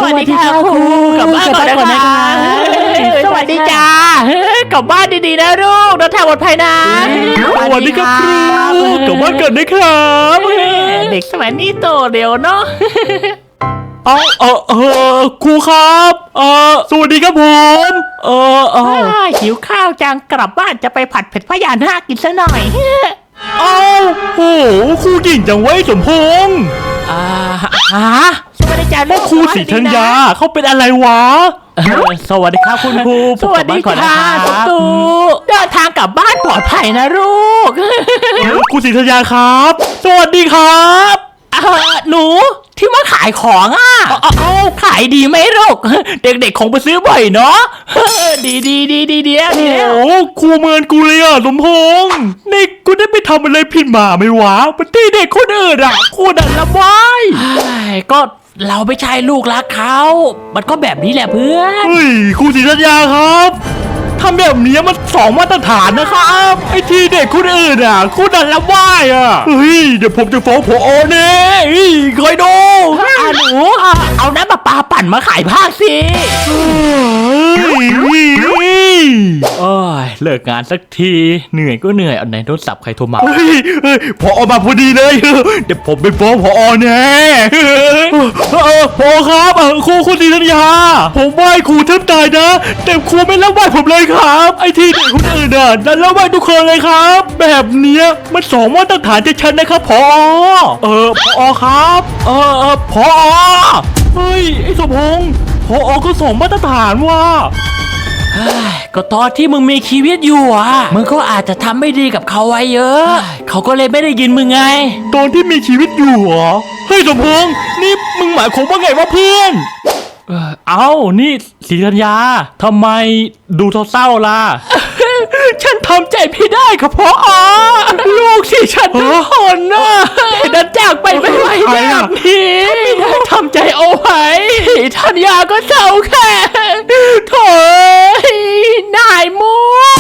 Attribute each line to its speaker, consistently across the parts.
Speaker 1: วัสดีค่ะครูกลับบ้านก่อนนะคะสวัสดีจ้ากลับบ้านดีๆนะลูกเดินทางปลอดภัยนะ
Speaker 2: สวัสดีครับครูกลับบ้านกันนะครับ
Speaker 1: เด็กสมัยนี้โตเร็วเนาะ
Speaker 2: ครูครับสวัสดีครับผม
Speaker 1: หิวข้าวจังกลับบ้านจะไปผัดเผ็ดพญานาคกินซะหน่อย
Speaker 2: โหครูเก่งจังเว้ยสมพงษ์
Speaker 1: สวัสดีจ้าลูก
Speaker 2: ครูศรีธัญญาเขาเป็นอะไรวะ
Speaker 1: สวัสดีครับคุณครูสวัสดีค่ะตูเดินทางกลับบ้านปลอดภัยนะลูก
Speaker 2: ครูศรีธัญญาครับสวัสดีครับ
Speaker 1: หนูที่มาขายของขายดีไหมลูกเด็กๆคงไปซื้อบ่อยเนาะดี
Speaker 2: โอ้ครูเมินกูเลยสมพงษ์นี่กูได้ไปทำอะไรผิดมาไหมวะปตีเด็กคนอื่นครูดันละไว้
Speaker 1: ก็เราไม่ใช่ลูกรักเขามันก็แบบนี้แหละเพื่อน
Speaker 2: เฮ้ยครูศรีธัญญาครับทำแบบนี้มัน2 มาตรฐานนะครับไอ้ที่เด็กคนอื่นครูดันละว่ายเฮ้ยเดี๋ยวผมจะฟ้องผอแน่คอยดู
Speaker 1: หนูเอาน้ำประปาปั่นมาขายผ้าสิเลิกงานสักทีเหนื่อยก็เหนื่อยเอาไหนโทรศัพท์ใครโทรมา
Speaker 2: ผอมาพอดีเลยเดี๋ยวผมไปฟ้องผอแน่ผอครับครูศรีธัญญาผมไหว้ครูแทบตายนะแต่ครูไม่รับไหว้ผมเลยครับไอ้ที่เด็กคนอื่นนั่นรับไหว้ทุกคนเลยครับแบบเนี้ยมัน2 มาตรฐานชัดๆนะครับผอผอครับผอเฮ้ยไอ้สมพงษ์ผอก็2 มาตรฐานว่ะ
Speaker 1: ก็ตอนที่มึงมีชีวิตอยู่มึงก็อาจจะทำไม่ดีกับเขาไว้เยอะเขาก็เลยไม่ได้ยินมึงไง
Speaker 2: ตอนที่มีชีวิตอยู่เฮ้ยสมพงษ์นี่มึงหมายความว่าไงวะเพื่อนนี่ศรีธัญญาทำไมดูเศร้าๆล่ะ
Speaker 1: ฉันทำใจไม่ได้ครับพ่อลูกที่ฉันทุกคนแต่ดันจากไปไม่ไหวแบบนี้ไม่ได้ทำใจเอาไว้ธัญญาก็เศร้าแค่โถ่นายมู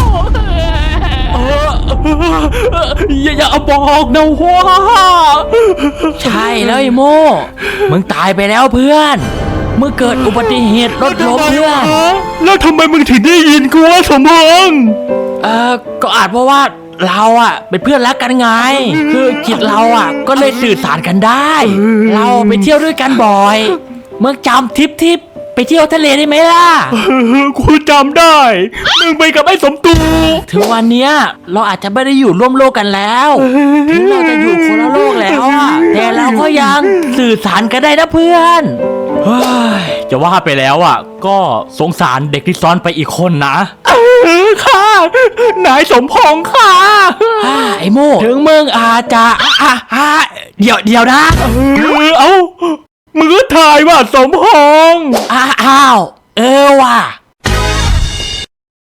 Speaker 2: อย่าบอกนะว่า
Speaker 1: ใช่เลยโมมึงตายไปแล้วเพื่อนเมื่อเกิดอุบัติเหตุรถล้มเพื่อน
Speaker 2: แล้วทำไมมึงถึงได้ยินกูว่าสมพงษ์
Speaker 1: ก็อาจเพราะว่าเราเป็นเพื่อนรักกันไงคือจิตเราก็เลยสื่อสารกันได้เราไปเที่ยวด้วยกันบ่อยเมื่อจำทริปไปเที่ยวทะเลได้ไหมล่ะ
Speaker 2: กูจำได้มึงไปกับไอ้สมตู
Speaker 1: ถึงวันนี้เราอาจจะไม่ได้อยู่ร่วมโลกกันแล้วถึงเราจะอยู่คนละโลกแล้วแต่เราก็ยังสื่อสารกันได้นะเพื่อน
Speaker 2: จะว่าไปแล้วก็สงสารเด็กที่ซ้อนไปอีกคนนะค่ะนายสมพงษ์ค่ะ
Speaker 1: ไอ้โม่ถึงมึงอาจจะเดี๋ยวนะ
Speaker 2: มึงก็ถ่ายว่าสมพงษ์
Speaker 1: ว่ะ